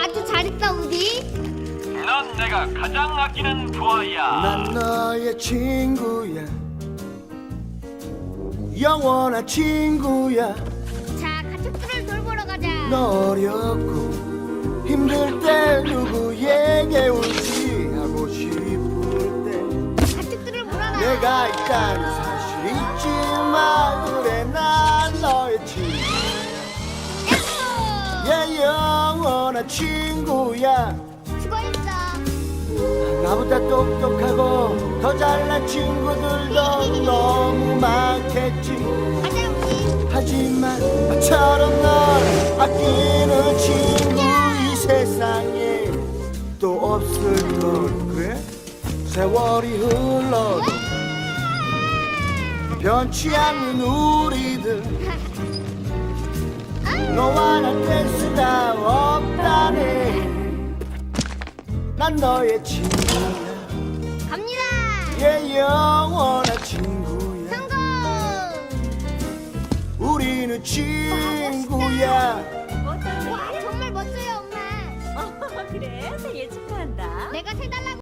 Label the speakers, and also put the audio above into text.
Speaker 1: 아주 잘했다 우디.
Speaker 2: 넌 내가 가장 아끼는 부하야.
Speaker 3: 난 너의 친구야, 영원한 친구야.
Speaker 1: 자, 가축들을 돌보러 가자.
Speaker 3: 너 어렵고 힘들 때 누구에게 울지하고 싶을 때
Speaker 1: 가축들을 몰아라.
Speaker 3: 내가 있다는 사실 잊지 마. 그래 난 너의 친구야,
Speaker 1: 에코.
Speaker 3: 영원한 친구야.
Speaker 1: 수고했어.
Speaker 3: 나보다 똑똑하고 더 잘난 친구들도 너무 많겠지.
Speaker 1: 가자 우디.
Speaker 3: 하지만 나처럼 널 아끼는 친구 이 세상에 또 없을걸. 그래? 세월이 흘러도 변치 않는 우리들, 너와 나 뗄 수가 없다네. 난 너의 친구야,
Speaker 1: 갑니다.
Speaker 3: 예, 영원한 친구야.
Speaker 1: 성공.
Speaker 3: 우리는 친구야.
Speaker 1: 와, 정말 멋져요 엄마.
Speaker 4: 그래? 생일 축하한다.
Speaker 1: 내가 세달라고